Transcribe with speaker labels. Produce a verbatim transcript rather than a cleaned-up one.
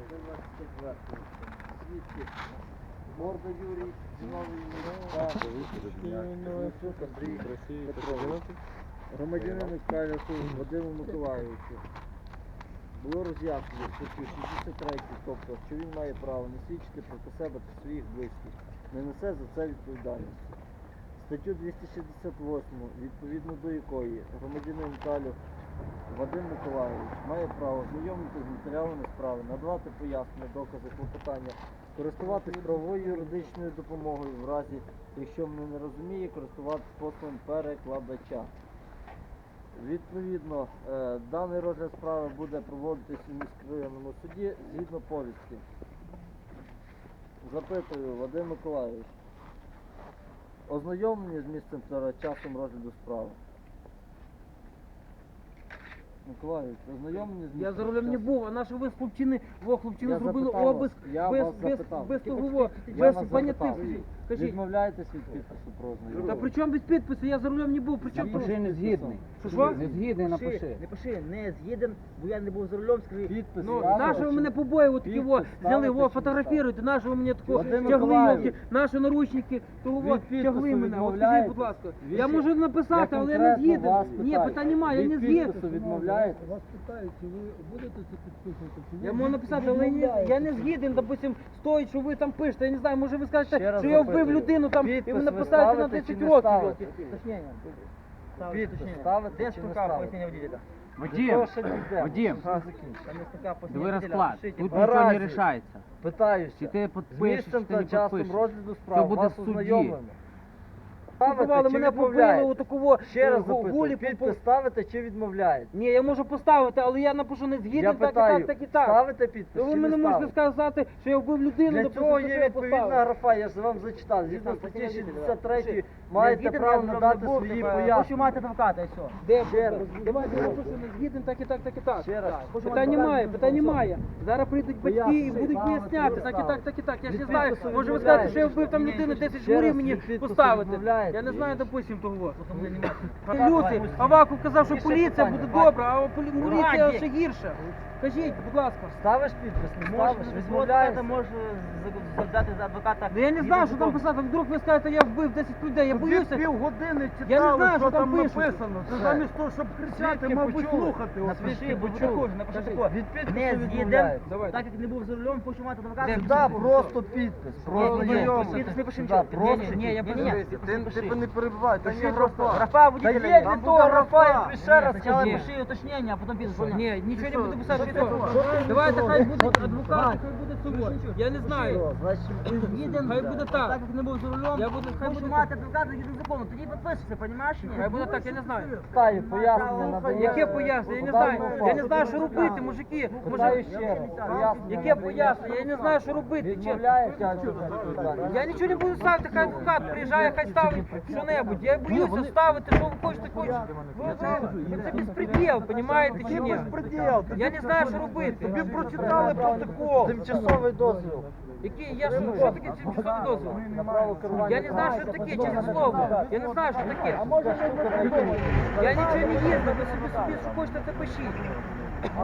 Speaker 1: Свідки. Морда Юрій, Зіновий Андрій Петрович. Громадянин Михайла Вадиму Миколайовичу. Було роз'яснено в статті шістдесят три, тобто, що він має право не свідчити проти себе та своїх близьких, не несе за це відповідальності. Статтю двісті шістдесят восьму, відповідно до якої громадянин Талів Вадим Миколайович має право знайомитися з матеріалами справи, надавати пояснення, докази, клопотання, користуватись правовою юридичною допомогою в разі, якщо мене не розуміє, користуватись послугом перекладача. Відповідно, е, даний розгляд справи буде проводитись у міськрайонному суді згідно повістки. Запитую, Вадим Миколайович, ознайомлені з місцем та часом розгляду справи? Миколайович, ознайомлені з місцем?
Speaker 2: Я за рулем не був, а наші ви з хлопчини, во хлопчини
Speaker 1: Я
Speaker 2: зробили
Speaker 1: запитав вас.
Speaker 2: обиск
Speaker 1: Я
Speaker 2: без,
Speaker 1: вас
Speaker 2: без,
Speaker 1: запитав.
Speaker 2: без
Speaker 1: Тільки
Speaker 2: того,
Speaker 1: Я
Speaker 2: без
Speaker 1: вас
Speaker 2: понятих.
Speaker 1: запитав.
Speaker 2: Кажіть,
Speaker 1: Відмовляєтесь від підпису про ознайомлення?
Speaker 2: та при чому без підпису? Я за рулем не був, при чому?
Speaker 3: Напиши не згідний.
Speaker 2: Що, що?
Speaker 3: Не згідний,
Speaker 4: Напиши,
Speaker 3: напиши.
Speaker 4: не пиши, не згіден, бо я не був за рулем, скажи.
Speaker 1: Підпис.
Speaker 2: Ну,
Speaker 1: я
Speaker 2: наші ви
Speaker 1: бачу.
Speaker 2: мене побої, такі во,
Speaker 1: Підпис
Speaker 2: взяли,
Speaker 1: ставите
Speaker 2: во,
Speaker 1: чи не
Speaker 2: фотографіруйте, наші ви мене такого
Speaker 1: Вадим
Speaker 2: тягли,
Speaker 1: Миколаївич,
Speaker 2: йолки, наші наручники, того во,
Speaker 1: від підпису
Speaker 2: тягли мене, от скажіть,
Speaker 1: відмовляєтесь?
Speaker 2: будь ласка.
Speaker 1: Від-
Speaker 2: Я можу написати,
Speaker 1: Я
Speaker 2: але я не
Speaker 1: конкретно
Speaker 2: згіден.
Speaker 1: вас
Speaker 2: Ні,
Speaker 1: питаю.
Speaker 2: питань немає, я не
Speaker 1: Від
Speaker 2: згіден.
Speaker 1: підпису відмовляєте?
Speaker 5: Вас питають, чи ви будете це підписувати, чи ви
Speaker 2: Я можу написати, але я не, я не згіден, допустим, стоїть, що ви там пишете, я не знаю, може ви
Speaker 1: Ще
Speaker 2: скажете,
Speaker 1: раз
Speaker 2: що я вбив
Speaker 1: запитую.
Speaker 2: людину там, і
Speaker 1: Підпис
Speaker 2: ви
Speaker 1: ви
Speaker 2: написаєте на
Speaker 1: ставите чи
Speaker 2: десять
Speaker 1: не
Speaker 2: років.
Speaker 1: ставите?
Speaker 2: йолки.
Speaker 4: Уточнення.
Speaker 1: Підпис
Speaker 4: Уточнення.
Speaker 1: ставите
Speaker 4: Де
Speaker 1: чи не
Speaker 4: строка
Speaker 1: ставите?
Speaker 4: пояснення водителя?
Speaker 3: Вадим,
Speaker 1: ще не йде.
Speaker 3: Вадим,
Speaker 1: Ага, закінчу.
Speaker 4: Там є строка
Speaker 3: диви
Speaker 4: пояснення водителя.
Speaker 3: розклад.
Speaker 4: Пишіть.
Speaker 3: Тут
Speaker 1: Наразі.
Speaker 3: нічого не рішається.
Speaker 1: Питаюся.
Speaker 3: Чи ти
Speaker 1: З
Speaker 3: підпишеш,
Speaker 1: місцем
Speaker 3: чи ти
Speaker 1: та
Speaker 3: не
Speaker 1: часом
Speaker 3: підпишеш.
Speaker 1: розгляду
Speaker 3: Все
Speaker 1: справ
Speaker 3: буде
Speaker 1: вас
Speaker 3: в суді.
Speaker 1: ознайомлено.
Speaker 2: Купували,
Speaker 1: Ставите чи
Speaker 2: мене побили
Speaker 1: відмовляєте?
Speaker 2: у такого
Speaker 1: Ще раз
Speaker 2: гулі.
Speaker 1: запитую, підпис ставите чи відмовляєте?
Speaker 2: Ні, я можу поставити, але я напишу не
Speaker 1: Я
Speaker 2: згідний, так і
Speaker 1: питаю,
Speaker 2: так, так і так.
Speaker 1: ставите підпис
Speaker 2: То ви
Speaker 1: чи
Speaker 2: мене
Speaker 1: не
Speaker 2: можете
Speaker 1: ставите?
Speaker 2: сказати, що я вбив людину,
Speaker 1: Для
Speaker 2: допустим,
Speaker 1: цього
Speaker 2: що
Speaker 1: є
Speaker 2: я
Speaker 1: відповідна
Speaker 2: поставив.
Speaker 1: графа, я ж вам зачитав. Згідно статті шістдесят три маєте
Speaker 4: Згіден,
Speaker 1: право
Speaker 4: я за рулем
Speaker 1: надати
Speaker 4: не був,
Speaker 1: свої
Speaker 4: типа, Хочу
Speaker 1: пояснення.
Speaker 4: мати адвоката і все.
Speaker 2: Де
Speaker 1: Ще
Speaker 2: буде?
Speaker 1: раз.
Speaker 2: Давайте я напишу не згідний, так і так, так і так.
Speaker 1: Ще раз.
Speaker 4: Хочу
Speaker 2: Питань
Speaker 4: мати
Speaker 2: немає,
Speaker 4: адвоката,
Speaker 2: питань
Speaker 4: і все.
Speaker 2: немає. Зараз прийдуть батьки і
Speaker 1: Пояснюй,
Speaker 2: будуть
Speaker 1: мама,
Speaker 2: поясняти,
Speaker 1: ти
Speaker 2: так і
Speaker 1: розставила.
Speaker 2: так, так і так. Я ж
Speaker 1: Від
Speaker 2: не знаю,
Speaker 1: підпису
Speaker 2: може ви
Speaker 1: відмовляєш?
Speaker 2: скажете, що я вбив там людину, десять
Speaker 1: Ще
Speaker 2: журів
Speaker 1: раз,
Speaker 2: мені
Speaker 1: від підпису
Speaker 2: поставити.
Speaker 1: відмовляєте?
Speaker 2: Я не знаю, допустим, того.
Speaker 4: Тому не немає.
Speaker 2: Люди, Аваков казав, що
Speaker 1: Ще
Speaker 2: поліція
Speaker 1: питання.
Speaker 2: буде добра, а полі- поліція
Speaker 4: Раді.
Speaker 2: ще гірша. Кажіть, будь ласка.
Speaker 1: Ставиш підпис, не
Speaker 4: Можеш
Speaker 1: ставиш,
Speaker 4: адвоката,
Speaker 1: відмовляєшся.
Speaker 4: можеш взяти за адвоката.
Speaker 2: Ну я не знаю, що там писати, вдруг ви скажете, я вбив десять людей, я боюся.
Speaker 5: півгодини читали,
Speaker 2: Я не знаю, що там пишуть.
Speaker 5: написано. Це
Speaker 1: Все.
Speaker 5: замість того, щоб кричати,
Speaker 1: Свідки
Speaker 5: мабуть,
Speaker 1: почули.
Speaker 5: слухати. От
Speaker 4: Напиши,
Speaker 1: Свідки
Speaker 4: будь
Speaker 1: почули.
Speaker 4: також, напиши
Speaker 1: Кажи,
Speaker 4: також.
Speaker 1: від підпису
Speaker 4: Не згіден,
Speaker 1: відмовляєте.
Speaker 2: Давай.
Speaker 4: так як не був за рулем, хочу мати адвоката.
Speaker 2: Де?
Speaker 1: Сюди просто підпис,
Speaker 4: Ні,
Speaker 1: просто
Speaker 4: ні, ні,
Speaker 1: знайомий.
Speaker 4: підпис не пиши
Speaker 1: Сюди
Speaker 4: нічого.
Speaker 1: просто
Speaker 4: Ні, ні, я
Speaker 1: підпис.
Speaker 4: пишу.
Speaker 1: Ти тебе не перебивай,
Speaker 4: Та
Speaker 1: там
Speaker 4: є
Speaker 1: є
Speaker 4: графа.
Speaker 1: графа.
Speaker 4: Графа
Speaker 1: Та
Speaker 4: водителя
Speaker 1: є
Speaker 4: є.
Speaker 1: для
Speaker 4: Там
Speaker 1: того
Speaker 4: буде
Speaker 1: графа,
Speaker 4: графа.
Speaker 1: я тобі ще раз
Speaker 4: Спочатку
Speaker 1: кажу.
Speaker 4: пиши уточнення, а потім підпис.
Speaker 2: Ні, нічого не
Speaker 1: що?
Speaker 2: буду писати.
Speaker 1: Що
Speaker 2: що?
Speaker 1: ти- що ти
Speaker 2: Давайте хай
Speaker 1: робиш?
Speaker 2: буде
Speaker 1: Що ти-
Speaker 2: адвокат, хай буде суд. Я не знаю.
Speaker 1: Значить, ти згіден?
Speaker 2: Хай буде так.
Speaker 4: Так як не був за рулем,
Speaker 2: Я буду- хай
Speaker 4: хочу
Speaker 2: буде
Speaker 4: мати адвоката згідно закону. Тоді підписуйся, розумієш?
Speaker 2: Хай буде так, я не знаю.
Speaker 1: Питаю, пояснення надає.
Speaker 2: Яке пояснення? Я не знаю. Я не знаю, що робити, мужики.
Speaker 1: Питаю
Speaker 2: Може,
Speaker 1: ще раз. Пояснення
Speaker 2: яке
Speaker 1: надає.
Speaker 2: пояснення? Я не знаю, що робити. чесно.
Speaker 1: Відмовляєшся від відповідальності?
Speaker 2: Я нічого не буду ставити, хай адвокат приїжджає, хай ставить що-небудь. Я боюся ставити, що ви хочете, хочете. Ви- ви- Це безпреділ, розумієте чи ні? Я не знаю, що робити.
Speaker 5: Тобі прочитали протокол.
Speaker 1: Тимчасовий дозвіл.
Speaker 2: Який, я що, що таке тимчасовий дозвіл?
Speaker 1: На право керування.
Speaker 2: Я не знаю, що таке, чесне слово. Я не знаю, що таке. Я нічого не їздив, ви собі собі, що хочете, це пишіть.